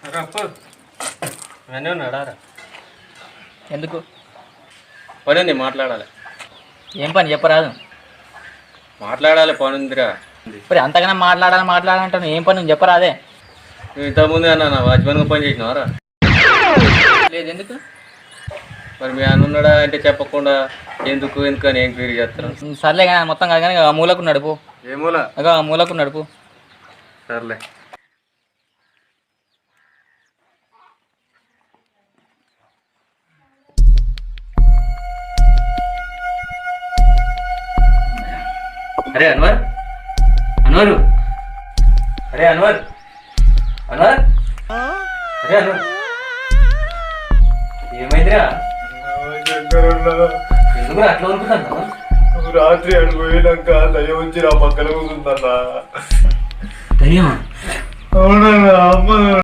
అన్నీ ఉన్నాడా? ఎందుకు పని ఉంది, మాట్లాడాలి. ఏం పని చెప్పరాదు. మాట్లాడాలి, పని ఉందిరా. మరి అంతగానే మాట్లాడాలంటాను. ఏం పని ఉంది చెప్పరాదే. నువ్వు ఇంతకుముందే అన్నా నా వాచ్మెన్గా పని చేసినావారా? లేదు ఎందుకు? మరి మీ అన్న ఉన్నాడా అంటే చెప్పకుండా ఎందుకు అని ఎంక్వైరీ చేస్తాను. సర్లే కానీ మొత్తం కాదు కానీ ఆ మూలకు నడుపు. ఏ మూల? అగా ఆ మూలకు నడుపు. సర్లే. అరే అన్వర్, అన్వరు, అరే అన్వర్, అన్వర్, అరే అన్వర్, ఏమైందిరా? ఎందుకు అట్లా అనుకుంటున్నా? రాత్రి అడుగు పోయినాక దయ్యం వచ్చి నా పక్కన కూర్చుందన్నా. దయ్యమా? అవునన్నా, అమ్మ